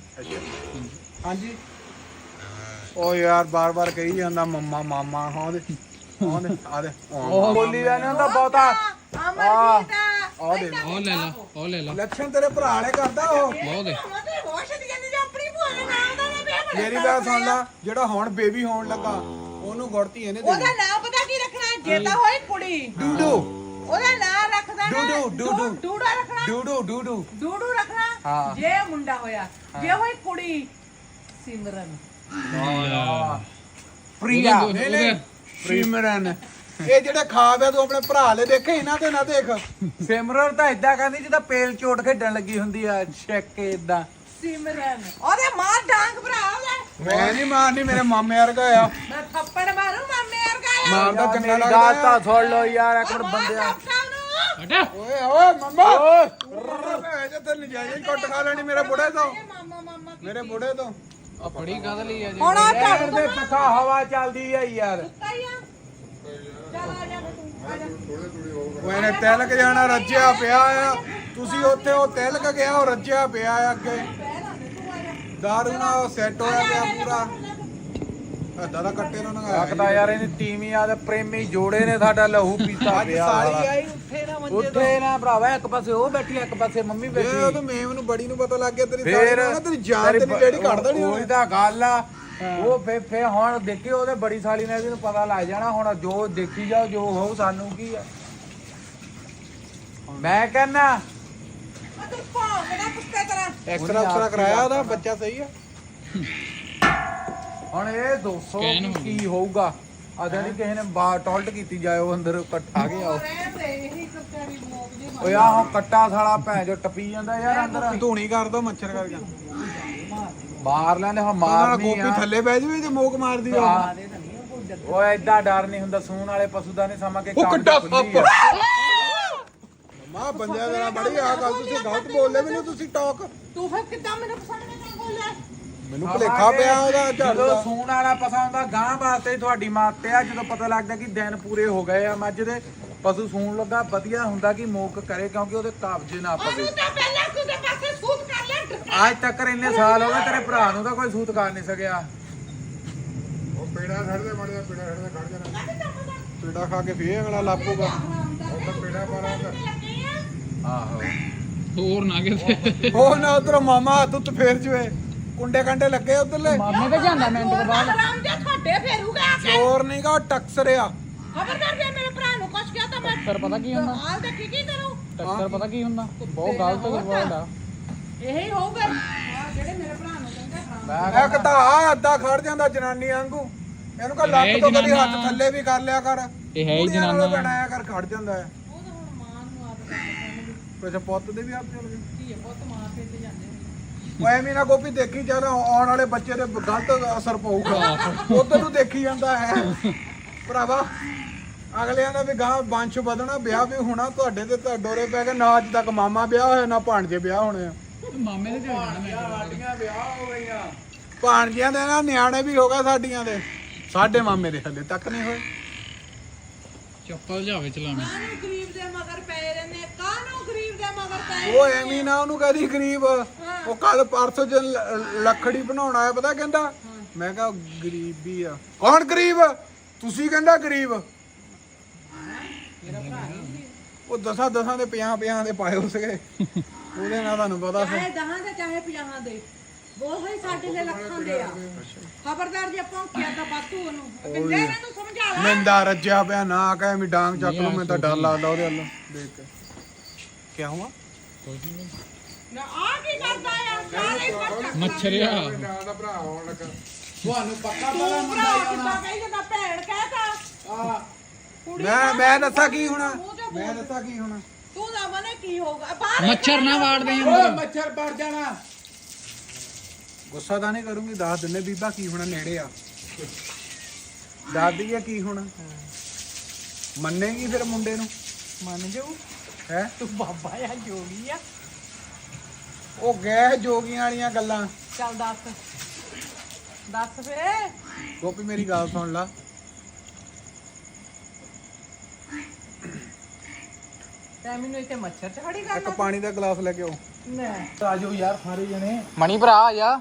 Speaker 5: ਹਾਂਜੀ ਉਹ ਯਾਰ ਬਾਰ ਬਾਰ ਕਹੀ ਜਾਂਦਾ ਮੰਮਾ ਮਾਮਾ ਹਾਂ ਦੇ ਹਾਂ ਦੇ ਆ ਦੇ
Speaker 3: ਉਹ ਬੋਲੀ ਦਾ ਨਹੀਂ ਹੁੰਦਾ ਬਹੁਤਾ
Speaker 2: ਅਮਰਜੀਤ
Speaker 5: ਆ ਦੇ
Speaker 1: ਉਹ ਲੈ ਲਾ ਉਹ ਲੈ ਲਾ
Speaker 5: ਇਲੈਕਸ਼ਨ ਤੇਰੇ ਭਰਾ ਵਾਲੇ ਕਰਦਾ ਉਹ
Speaker 1: ਬਹੁਤ ਦੇ
Speaker 2: ਮਤੇ ਹੋਸ਼ ਦੀ ਜਾਂਦੀ ਜੋ ਆਪਣੀ ਭੂਆ ਦੇ ਨਾਮ ਦਾ ਨਾ ਵਿਆਹ
Speaker 5: ਮੇਰੀ ਗੱਲ ਸੁਣ ਲੈ ਜਿਹੜਾ ਹੁਣ ਬੇਬੀ ਹੋਣ ਲੱਗਾ ਉਹਨੂੰ ਗੁੜਤੀ ਇਹਨੇ
Speaker 2: ਉਹਦਾ
Speaker 5: ਦੇਣੀ
Speaker 2: ਨਾਮ ਪਤਾ ਕੀ ਰੱਖਣਾ ਜੇ ਤਾਂ ਹੋਈ ਕੁੜੀ
Speaker 5: ਡੂਡੂ
Speaker 2: ਉਹਦਾ ਨਾਮ ਰੱਖਦਾ ਨਾ
Speaker 3: ਡੂਡੂ, ਡੂਡੂ।
Speaker 2: ਡੂਡਾ ਰੱਖਣਾ
Speaker 3: ਡੂਡੂ ਡੂਡੂ
Speaker 2: ਡੂਡੂ ਰੱਖਣਾ
Speaker 3: ਹਾਂ।
Speaker 2: ਜੇ ਮੁੰਡਾ ਹੋਇਆ ਜੇ ਹੋਈ ਕੁੜੀ ਸਿਮਰਨ
Speaker 3: ਪ੍ਰਿਆ
Speaker 1: ਉਹਦੇ-
Speaker 5: ਨਹੀਂ ਨਹੀਂ ਸਿਮਰਨ ਇਹ ਜਿਹੜੇ ਖਾਬ ਆ ਤੂੰ ਆਪਣੇ ਭਰਾ ਲੈ ਦੇਖੇ ਇਹਨਾਂ ਤੇ ਨਾ ਦੇਖ
Speaker 3: ਸਿਮਰਨ ਤਾਂ ਇਦਾਂ ਕਹਿੰਦੀ ਜਿੱਦਾਂ ਪੇਲ ਚੋਟ ਖੇਡਣ ਲੱਗੀ ਹੁੰਦੀ ਆ ਛੱਕ ਕੇ ਇਦਾਂ
Speaker 2: ਸਿਮਰਨ ਉਹਦੇ ਮਾਰ ਡਾਂਗ ਭਰਾ ਉਹਦਾ
Speaker 5: ਮੈਂ ਨਹੀਂ ਮਾਰਨੀ ਮੇਰੇ ਮਾਮੇ ਵਰਗਾ ਆ
Speaker 2: ਮੈਂ ਥੱਪੜ ਮਾਰੂ ਮਾਮੇ ਵਰਗਾ ਆ
Speaker 5: ਮਾਰਦਾ ਚੰਗਾ
Speaker 3: ਮੇਰੀ
Speaker 5: ਲੱਗਦਾ
Speaker 3: ਗੱਲ ਤਾਂ
Speaker 5: ਆ।
Speaker 3: ਸੁਣ ਲਓ ਯਾਰ ਇੱਕ ਮਿੰਟ ਬੰਦਿਆ
Speaker 1: ਹਟਾ
Speaker 5: ਓਏ ਓਏ ਮੰਮਾ ਓਏ ਜੇ ਤੇ ਨਜਾਇਜ਼ ਹੀ ਕੁੱਟ ਖਾ ਲੈਣੀ ਮੇਰੇ ਬੁੜੇ ਤੋਂ
Speaker 2: ਮਾਮਾ ਮਾਮਾ
Speaker 5: ਮੇਰੇ ਬੁੜੇ ਤੋਂ
Speaker 1: ਆ ਫੜੀ ਕਾਹਦੇ ਲਈ ਆ ਜੀ
Speaker 2: ਹੁਣ ਆ ਝਾੜੂ
Speaker 3: ਇਹਦੇ ਪੱਖਾ ਹਵਾ ਚੱਲਦੀ ਆ ਯਾਰ
Speaker 2: ਸੁੱਤਾ ਹੀ ਆ ਚੱਲ ਆ ਜਾ ਤੂੰ ਆ ਜਾ
Speaker 5: ਉਹ ਇਹਨੇ ਤਿਲਕ ਜਾਣਾ ਰੱਜਿਆ ਪਿਆ ਆ ਤੁਸੀਂ ਉੱਥੇ ਉਹ ਤਿਲਕ ਗਿਆ ਉਹ ਰੱਜਿਆ ਪਿਆ ਆ ਅੱਗੇ ਦਾਰੂ ਨਾਲ ਉਹ ਸੈੱਟ ਹੋਇਆ ਪਿਆ ਪੂਰਾ ਏਦਾਂ ਦਾ ਕੱਟੇ ਨੂੰ ਨਗਾ
Speaker 3: ਲੱਗਦਾ ਯਾਰ ਇਹਨੇ ਤੀਵੀਂ ਆ ਤੇ ਪ੍ਰੇਮੀ ਜੋੜੇ ਨੇ ਸਾਡਾ ਲਹੂ ਪੀਤਾ
Speaker 5: ਅੱਜ
Speaker 3: ਪਿਆ
Speaker 5: ਸਾਲੀ ਆਈ ਉੱਥੇ ਨਾ ਮੰਜੇ ਤੋਂ
Speaker 3: ਉੱਥੇ ਨਾ ਭਰਾਵਾ ਇੱਕ ਪਾਸੇ ਉਹ ਬੈਠੀ ਇੱਕ ਪਾਸੇ ਮੰਮੀ
Speaker 5: ਇਹ
Speaker 3: ਬੈਠੀ
Speaker 5: ਉਹ ਤਾਂ ਮੇਮ ਨੂੰ ਬੜੀ ਨੂੰ ਪਤਾ ਲੱਗ ਗਿਆ ਤੇਰੀ ਸਾਲੀ
Speaker 3: ਫੇਰ
Speaker 5: ਨੂੰ ਨਾ ਤੇਰੀ ਜਾਨ ਤੇਰੀ ਜਿਹੜੀ ਕੱਢ ਦੇਣੀ
Speaker 3: ਉਹੀ
Speaker 5: ਉਹਨੇ
Speaker 3: ਤਾਂ ਗੱਲ ਆ ਉਹ ਫੇ ਫੇ ਹੁਣ ਦੇਖੀ ਉਹਦੇ ਬੜੀ ਸਾਲੀ ਨੇ ਇਹਨੂੰ ਪਤਾ ਲੱਗ ਜਾਣਾ ਹੁਣ ਜੋ ਦੇਖੀ ਜਾਓ ਜੋ ਹੋਊ ਸਾਨੂੰ ਕੀ ਆ ਮੈਂ ਕਹਿੰਨਾ
Speaker 2: ਤੂੰ ਭੌਂਕਦਾ ਕੁੱਤੇ ਤਰ੍ਹਾਂ
Speaker 5: ਐਕਸਰਾ ਐਕਸਰਾ ਕਰਾਇਆ ਉਹਦਾ ਬੱਚਾ ਸਹੀ ਆ
Speaker 3: ਹੁਣ ਇਹ ਦੋ ਸੌ
Speaker 1: Scan ਹੋ
Speaker 3: ਕੀ ਹੋਊਗਾ ਅਦਰ ਨਹੀਂ ਕਿਸੇ ਨੇ ਬਾਹਰ ਟੋਲਟ ਕੀਤੀ ਜਾਏ ਉਹ ਅੰਦਰ ਇਕੱਠਾ ਗਿਆ ਉਹ
Speaker 2: ਰਹਿਣ ਦੇ ਇਹੀ ਕੱਟੜੀ ਮੋਕ ਦੇ
Speaker 3: ਓਏ ਆਹ ਹੁਣ ਕੱਟਾ ਸਾਲਾ ਭੈਣ ਜੋ ਟੱਪੀ ਜਾਂਦਾ ਯਾਰ ਅੰਦਰ
Speaker 5: ਧੂਣੀ ਕਰ ਦੋ ਮੱਛਰ ਕਰਕੇ
Speaker 3: ਮਾਰ ਲੈਂਦੇ ਹੁਣ
Speaker 5: ਮਾਰ
Speaker 3: ਮਾਰਨੀ
Speaker 5: ਗੋਪੀ
Speaker 3: ਆ
Speaker 5: ਥੱਲੇ ਬਹਿ ਜਵੇ ਤੇ ਮੋਕ ਮਾਰਦੀ ਆ
Speaker 3: ਆ। ਓਏ ਏਦਾਂ ਡਰ ਨਹੀਂ ਹੁੰਦਾ ਸੂਣ ਵਾਲੇ ਪਸ਼ੂ ਦਾ ਨਹੀਂ ਸਮਾਂ ਕੇ
Speaker 5: ਉਹ
Speaker 3: ਕੰਨ
Speaker 5: ਕੱਟਾ
Speaker 3: ਖੁੱਲੀ ਆ।
Speaker 5: ਮਾਂ ਬੰਦਿਆਂ ਦੇ ਨਾਲ ਬੜੀ ਆ ਗੱਲ ਤੁਸੀਂ ਗਲਤ ਬੋਲਦੇ ਮੈਨੂੰ ਤੁਸੀਂ ਟਾਕ
Speaker 2: ਤੂੰ ਫਿਰ ਕਿੱਦਾਂ ਮੈਨੂੰ ਪਸੰਦ ਨਹੀਂ ਬੋਲਿਆ
Speaker 5: ਮੈਨੂੰ ਭੁਲੇਖਾ ਪਿਆ ਉਹਦਾ ਝਾੜੂ
Speaker 3: ਜਦੋਂ
Speaker 5: ਦਾ
Speaker 3: ਸੂਣ ਵਾਲਾ ਪਸਾ ਹੁੰਦਾ ਗਾਂ ਵਾਸਤੇ ਤੁਹਾਡੀ ਮਾਤੇ ਆ ਜਦੋਂ ਪਤਾ ਲੱਗਦਾ ਕਿ ਦਿਨ ਪੂਰੇ ਹੋ ਗਏ ਆ ਮੱਝ ਦੇ ਪਸ਼ੂ ਸੂਣ ਲੱਗਾ ਵਧੀਆ ਹੁੰਦਾ ਕਿ ਮੋਕ ਕਰੇ ਕਿਉਂਕਿ ਉਹਦੇ ਕਬਜ਼ੇ ਨਾ ਪਵੇ
Speaker 2: ਉਹਨੂੰ ਤਾਂ ਪਹਿਲਾਂ ਤੂੰ ਦੇ ਪਾਸੇ ਸੂਤ ਕਰ ਲੈ
Speaker 3: ਅੱਜ ਤੱਕ ਇੰਨੇ ਸਾਲ ਹੋ ਗਏ ਤੇਰੇ ਭਰਾ ਨੂੰ ਤਾਂ ਕੋਈ ਸੂਤ ਕਰ ਨਹੀਂ ਸਕਿਆ
Speaker 5: ਉਹ ਪੇੜਾ ਛੱਡਦੇ ਮੜਿਆ ਪੇੜਾ ਛੱਡਦੇ ਖੜ ਜਾਣਾ ਪੇੜਾ ਖਾ ਕੇ ਫੇਰ ਅਗਲਾ ਲਾਪੂਗਾ ਉਹ ਤਾਂ ਪੇੜਾ ਪਾਰਾ
Speaker 3: ਆਹੋ
Speaker 1: ਹੋਰ ਨਾ ਕਿਤੇ
Speaker 5: ਉਹ ਨਾ ਉਧਰ ਮਾਮਾ ਤੁੱਤ ਫੇਰ ਜਵੇ ਕੁੰਡੇ ਕੰਡੇ ਲੱਗੇ ਉਧਰਲੇ
Speaker 1: ਮਾਮੇ ਤੇ ਜਾਂਦਾ ਮਿੰਟ ਦੇ ਬਾਅਦ
Speaker 2: ਆਰਾਮ ਜੇ ਤੁਹਾਡੇ ਫੇਰੂਗਾ ਆ ਕੇ
Speaker 5: ਚੋਰ ਨਹੀਂਗਾ ਉਹ ਟਕਸਰਿਆ
Speaker 2: ਖਬਰਦਾਰ ਜੇ ਮੇਰੇ ਭਰਾ ਨੂੰ ਕੁਛ ਕਿਹਾ ਤਾਂ ਮੈਂ
Speaker 1: ਟੱਕਰ ਪਤਾ ਕੀ ਹੁੰਦਾ
Speaker 2: ਹਾਲ ਤੇ ਕੀ ਕੀ ਕਰੂੰ
Speaker 1: ਟੱਕਰ ਪਤਾ ਕੀ ਹੁੰਦਾ ਬਹੁਤ ਗਲਤ ਵਰਡ ਆ
Speaker 2: ਇਹੀ ਹੋਊਗਾ ਆ ਜਿਹੜੇ ਮੇਰੇ ਭਰਾ
Speaker 5: ਇੱਕ ਤਾਂ ਆ ਅੱਧਾ ਖੜ ਜਾਂਦਾ ਜਨਾਨੀ ਵਾਂਗੂ। ਇਹਨੂੰ ਕਹ ਲੱਕ ਤੋਂ ਕਦੀ ਹੱਥ ਥੱਲੇ ਵੀ ਕਰ ਲਿਆ ਕਰ।
Speaker 1: ਇਹ ਹੈ ਹੀ ਜਨਾਨਾ
Speaker 5: ਬਣਾਇਆ ਕਰ ਖੜ ਜਾਂਦਾ ਹੈ।
Speaker 2: ਉਹ ਤਾਂ ਹੁਣ ਮਾਂ ਨੂੰ ਆਦਤ ਹੈ।
Speaker 5: ਅੱਛਾ ਪੁੱਤ ਦੇ ਵੀ ਆਪ ਚੱਲ ਗਏ।
Speaker 2: ਕੀ ਹੈ ਪੁੱਤ ਮਾਂ ਪਿੰਡ ਜਾਂਦੇ ਨੇ।
Speaker 5: ਉਹ ਐਵੇਂ ਨਾ ਗੋਪੀ ਦੇਖੀ ਚੱਲ ਆਉਣ ਵਾਲੇ ਬੱਚੇ ਤੇ ਗਲਤ ਅਸਰ ਪਊਗਾ। ਉਧਰ ਨੂੰ ਦੇਖੀ ਜਾਂਦਾ ਹੈ ਭਰਾਵਾ। ਅਗਲਿਆਂ ਦਾ ਵੀ ਗਾਂ ਵੰਸ਼ ਵਧਣਾ, ਵਿਆਹ ਵੀ ਹੋਣਾ। ਤੁਹਾਡੇ ਤੇ ਤਾਂ ਡੋਰੇ ਪੈ ਗਏ ਨਾ। ਅੱਜ ਤੱਕ ਮਾਮਾ ਵਿਆਹ ਹੋਇਆ ਨਾ ਭਾਣਜੇ ਵਿਆਹ ਹੋਣੇ ਆ।
Speaker 1: ਮਾਮੇ ਦੇ ਜਾਣਾ
Speaker 3: ਸਾਡੀਆਂ ਵਿਆਹ ਹੋ ਗਈਆਂ।
Speaker 5: ਭਾਣਜਿਆਂ ਦੇ ਨਾ ਨਿਆਣੇ ਵੀ ਹੋ ਗਏ ਸਾਡੀਆਂ ਦੇ। ਸਾਡੇ ਮਾਮੇ ਦੇ ਹਲੇ ਤੱਕ ਨਹੀਂ ਹੋਏ।
Speaker 1: ਚੱਪਲ ਜਾਵੇ ਚਲਾਣਾ।
Speaker 2: ਕਾਹਨੂੰ ਗਰੀਬ ਦੇ ਮਗਰ ਪਏ ਰਹਿੰਦੇ, ਕਾਹਨੂੰ ਗਰੀਬ ਦੇ ਮਗਰ ਪਏ।
Speaker 5: ਉਹ ਐਵੇਂ ਨਾ ਉਹਨੂੰ ਕਹਦੀ ਗਰੀਬ। ਉਹ ਕੱਲ ਪਰਸੋਂ ਜ ਲੱਖੜੀ ਬਣਾਉਣ ਆਇਆ, ਪਤਾ ਕਹਿੰਦਾ ਮੈਂ ਕਿਹਾ ਗਰੀਬ ਵੀ ਆ। ਕੌਣ ਗਰੀਬ? ਤੁਸੀਂ ਕਹਿੰਦਾ ਗਰੀਬ। ਉਹ ਦਸਾਂ ਦਸਾਂ ਦੇ ਪੰਜਾਹ ਪੰਜਾਹ ਦੇ ਪਾਏ ਹੋ ਸਕੇ। ਉਹਦੇ ਨਾਲ ਤੁਹਾਨੂੰ ਪਤਾ ਸੀ।
Speaker 2: ਚਾਹੇ ਦਹਾਂ ਦੇ ਚਾਹੇ ਪੰਜਾਹਾਂ ਦੇ, ਉਹ ਹੀ ਸਾਡੇ ਲਈ ਲੱਖਾਂ ਦੇ ਆ। ਖਬਰਦਾਰ ਜੇ ਭੌਂਕਿਆ ਤਾਂ ਬਾਤੂ ਉਹਨੂੰ ਕਿੰਨੇ ਇਹਨੂੰ ਸਮਝਾ ਲੈ।
Speaker 5: ਮਿੰਦਾ ਰੱਜਿਆ ਪਿਆ ਨਾ ਕਹੇ ਵੀ ਡਾਂਗ ਚੱਕ ਲੂ। ਮੈਨੂੰ ਤਾਂ ਡਰ ਲੱਗਦਾ ਉਹਦੇ ਵੱਲ ਦੇਖ ਕੇ। ਕੀ ਹੁਆ?
Speaker 2: ਨਾ ਆ ਕੀ ਕਰਦਾ ਆ ਸਾਰੇ ਪੱਕਾ
Speaker 1: ਮੱਛਰਿਆ
Speaker 5: ਨਾਲ ਦਾ ਭਰਾ ਆਉਣ ਲੱਗਾ।
Speaker 3: ਤੁਹਾਨੂੰ ਪੱਕਾ ਪਤਾ
Speaker 2: ਤੂੰ
Speaker 3: ਮੁੰਡਾ
Speaker 2: ਭਰਾ ਕਿੱਦਾਂ ਕਹੀ ਜਾਂਦਾ ਭੈਣ ਕਹਿਤਾ।
Speaker 3: ਆ
Speaker 2: ਕੁੜੀ
Speaker 5: ਮੈਂ ਮੈਂ ਦੱਸਾਂ ਕੀ ਹੋਣਾ।
Speaker 2: ਮੂੰਹ ਤੇ
Speaker 5: ਮੈਂ ਦੱਸਾਂ ਕੀ ਹੋਣਾ।
Speaker 2: ਤੂੰ ਨਾ ਮਨੇ ਕੀ ਹੋਊਗਾ ਬਾਹਰ
Speaker 1: ਮੱਛਰ ਨਾ ਵਾੜਦੇ
Speaker 3: ਓਏ ਮੱਛਰ ਪੜ ਜਾਣਾ।
Speaker 5: ਗੁੱਸਾ ਤਾਂ ਨਹੀਂ ਕਰੂੰਗੀ। ਦੱਸ ਦਿੰਨੇ ਬੀਬਾ ਕੀ ਹੋਣਾ ਨੇੜੇ ਆ। ਦੱਸ ਦਈਏ ਕੀ ਹੋਣਾ। ਮੰਨੇਗੀ ਫਿਰ ਮੁੰਡੇ ਨੂੰ?
Speaker 2: ਮੰਨ ਜਾਊ।
Speaker 5: ਹੈ
Speaker 2: ਤੂੰ ਬਾਬਾ ਆ ਜੋਗੀ ਆ।
Speaker 5: ਉਹ ਗਏ ਜੋਗੀਆਂ ਵਾਲੀਆਂ ਗੱਲਾਂ।
Speaker 2: ਚੱਲ ਦੱਸ ਦੱਸ ਫੇ।
Speaker 5: ਗੋਪੀ ਮੇਰੀ ਗੱਲ ਸੁਣ ਲਾ।
Speaker 2: ਤੈਂ ਮੈਨੂੰ ਇੱਥੇ ਮੱਛਰ ਚ ਖੜੀ
Speaker 5: ਇੱਕ
Speaker 2: ਕਰਨਾ।
Speaker 5: ਪਾਣੀ ਦਾ ਗਲਾਸ ਲੈ ਕੇ ਆਓ।
Speaker 2: ਨਾ
Speaker 3: ਆਜੋ ਯਾਰ ਸਾਰੇ ਜਣੇ।
Speaker 1: ਮਣੀ ਭਰਾ ਆ ਜਾ।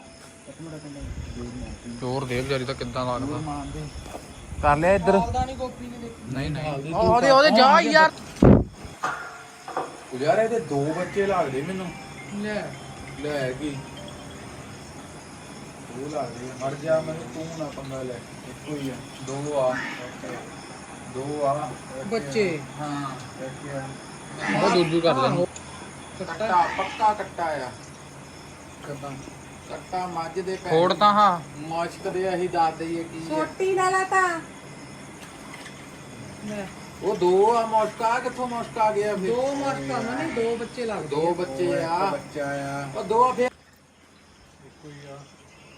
Speaker 1: ਜ਼ੋਰ ਦੇ ਵਿਚਾਰੀ ਤਾਂ ਕਿੱਦਾਂ ਲੱਗਦਾ। ਕਰ ਲਿਆ ਇੱਧਰ। ਨਹੀਂ ਨਹੀਂ ਉਹਦੇ ਉਹਦੇ ਜਾ ਯਾਰ।
Speaker 3: ਯਾਰ ਇਹਦੇ ਦੋ ਬੱਚੇ ਲੱਗਦੇ ਮੈਨੂੰ।
Speaker 2: ਲੈ
Speaker 3: ਲੈ ਕੀ ਉਹ ਲੱਗਦੇ ਆ। ਮਰ ਜਾ ਮੈਨੂੰ ਤੂੰ ਨਾ ਪੰਗਾ ਲੈ। ਇੱਕੋ ਹੀ ਆ। ਦੋ ਆ ਦੋ ਆ
Speaker 2: ਬੱਚੇ।
Speaker 3: ਹਾਂ
Speaker 1: ਉਹ ਦੂਜੂ ਕਰ ਲੈ।
Speaker 3: ਕੱਟਾ ਪੱਕਾ ਕੱਟਾ ਆ। ਕੱਟਾ ਕੱਟਾ ਮੱਝ ਦੇ ਪੈਰ
Speaker 1: ਫੋੜ ਤਾਂ ਹਾਂ।
Speaker 3: ਮੁਸ਼ਕ ਦੇ ਅਸੀਂ ਦੱਸ ਦਈਏ ਕੀ ਆ।
Speaker 2: ਛੋਟੀ ਨਾ ਲਾ ਤਾਂ ਲੈ
Speaker 3: ਉਹ ਦੋ ਆ ਮੁਸ਼ਕ ਆ। ਕਿੱਥੋਂ ਮੁਸ਼ਕ ਆ ਗਿਆ ਫਿਰ?
Speaker 2: ਦੋ ਮਰਕਾਂ ਨਹੀਂ ਦੋ ਬੱਚੇ ਲੱਗਦੇ।
Speaker 3: ਦੋ ਬੱਚੇ ਆ।
Speaker 5: ਬੱਚਾ ਆ।
Speaker 3: ਉਹ ਦੋ ਫਿਰ
Speaker 5: ਇੱਕੋ ਹੀ ਆ।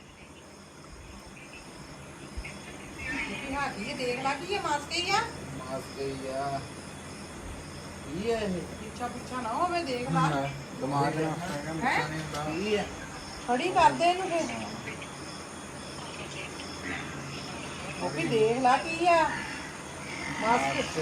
Speaker 2: ਕੀ ਹਾਜੀ ਦੇਖ ਲਾ ਕੀ ਇਹ ਮਾਸਕੇ ਹੀ ਆ।
Speaker 3: ਮੁਸ਼ਕ ਹੀ ਆ। ਕੀ ਹੈ ਇਹ?
Speaker 2: ਪਿੱਛਾ ਪਿੱਛਾ ਨਾ ਹੋਵੇ ਦੇਖ ਲਾ।
Speaker 3: ਦਿਮਾਗ ਨਾਲ
Speaker 2: ਹੈ
Speaker 3: ਕੀ ਹੈ?
Speaker 2: ਖੜੀ ਕਰਦੇ ਇਹਨੂੰ ਫੇਰ। ਉਹ ਵੀ ਦੇਖ ਲਾ ਕੀ ਆ। ਮਾਸਕੇ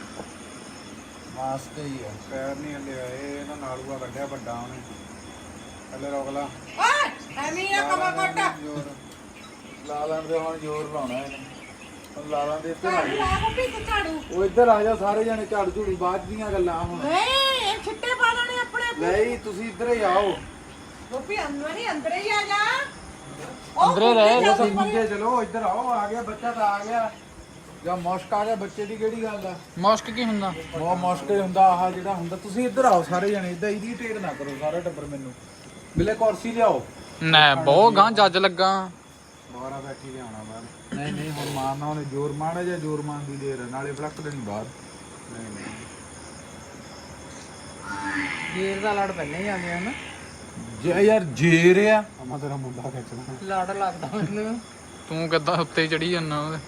Speaker 3: ਮਾਸਕ ਹੀ ਆ।
Speaker 5: ਪੈਰ ਨਹੀਂ ਹਲੇ ਆਏ। ਇਹਨਾਂ ਨਾਲੂਆ ਕੱਢਿਆ ਵੱਡਾ ਉਹਨੇ। ਹਲੇ ਰੋਕ ਲਾ।
Speaker 2: ਓਏ ਐਵੇਂ ਨਾ ਕਮਾ ਕੱਟ।
Speaker 5: ਜ਼ੋਰ।
Speaker 3: ਲਾ ਲੈਣ ਦੇ ਹੁਣ ਜ਼ੋਰ ਲਾਉਣਾ ਇਹਨੇ। ਹੁਣ ਲਾ ਲੈਣ ਦੇ ਇੱਧਰ ਆ
Speaker 2: ਝਾੜੂ
Speaker 3: ਜਾ।
Speaker 2: ਲਾ ਗੋਪੀ ਤੇ ਝਾੜੂ।
Speaker 3: ਉਹ ਇੱਧਰ ਆ ਜਾ ਸਾਰੇ ਜਣੇ। ਝਾੜੂ ਝੂੜੂ ਬਾਅਦ ਦੀਆਂ ਗੱਲਾਂ ਹੁਣ।
Speaker 2: ਨਹੀਂ ਇਹ ਛਿੱਟੇ ਪਾ ਲੈਣੇ ਆਪਣੇ।
Speaker 3: ਨਹੀਂ ਤੁਸੀਂ ਇੱਧਰ ਹੀ ਆਓ।
Speaker 2: ਗੋਪੀ ਅੰਦਰ ਨਹੀਂ ਅੰਦਰ ਹੀ ਆ ਜਾ।
Speaker 1: ਅੰਦਰੇ ਰਹਿ।
Speaker 2: ਉਹ
Speaker 3: ਤੁਸੀਂ ਨੀਚੇ ਚਲੋ। ਇੱਧਰ ਆਓ। ਆ ਗਿਆ ਬੱਚਾ ਤਾਂ ਆ ਗਿਆ। ਜਾਂ ਮੁਸ਼ਕ ਆ ਗਿਆ ਬੱਚੇ ਦੀ ਕਿਹੜੀ ਗੱਲ ਆ?
Speaker 1: ਮੁਸ਼ਕ ਕੀ ਹੁੰਦਾ?
Speaker 3: ਬਹੁਤ ਮੁਸ਼ਕ ਹੀ ਹੁੰਦਾ ਆਹ ਜਿਹੜਾ ਹੁੰਦਾ। ਤੁਸੀਂ ਇੱਧਰ ਆਓ ਸਾਰੇ ਜਣੇ। ਇੱਦਾਂ ਇਹਦੀ ਟੇਕ ਨਾ ਕਰੋ ਸਾਰਾ ਟੱਬਰ। ਮੈਨੂੰ ਬਿਲੇ ਕੁਰਸੀ ਲਿਆਓ।
Speaker 1: ਨਾ ਬਹੁਤ ਗਾਂ ਜੱਜ ਲੱਗਾ।
Speaker 5: ਬਾਹਰ ਬੈਠੀ ਤੇ ਆਉਣਾ ਬਾਹਰ।
Speaker 3: ਨਹੀਂ ਨਹੀਂ ਹੁਣ ਮਾਰਨਾ ਉਹਨੇ ਜ਼ੋਰ ਮਾੜਾ ਜਾਂ ਜ਼ੋਰ ਮਾਰਨ ਦੀ ਦੇਰ ਆ। ਨਾਲੇ ਫਲੱਕ ਦੇਣੀ ਬਾਹਰ।
Speaker 5: ਨਹੀਂ ਨਹੀਂ
Speaker 2: ਜੇਰ ਦਾ ਲੜ ਪਹਿਲਾਂ ਹੀ ਆ ਗਿਆ ਨਾ।
Speaker 3: ਜੇ ਯਾਰ ਜੇਰ ਆ।
Speaker 5: ਅਮਾ ਤੇਰਾ ਮੁੰਡਾ ਖਿੱਚਣਾ।
Speaker 2: ਲੜ ਲੱਗਦਾ ਮੈਨੂੰ।
Speaker 1: ਤੂੰ ਕਿੱਦਾਂ ਉੱਤੇ ਚੜੀ ਜਾਂਦਾ ਉਹਦੇ?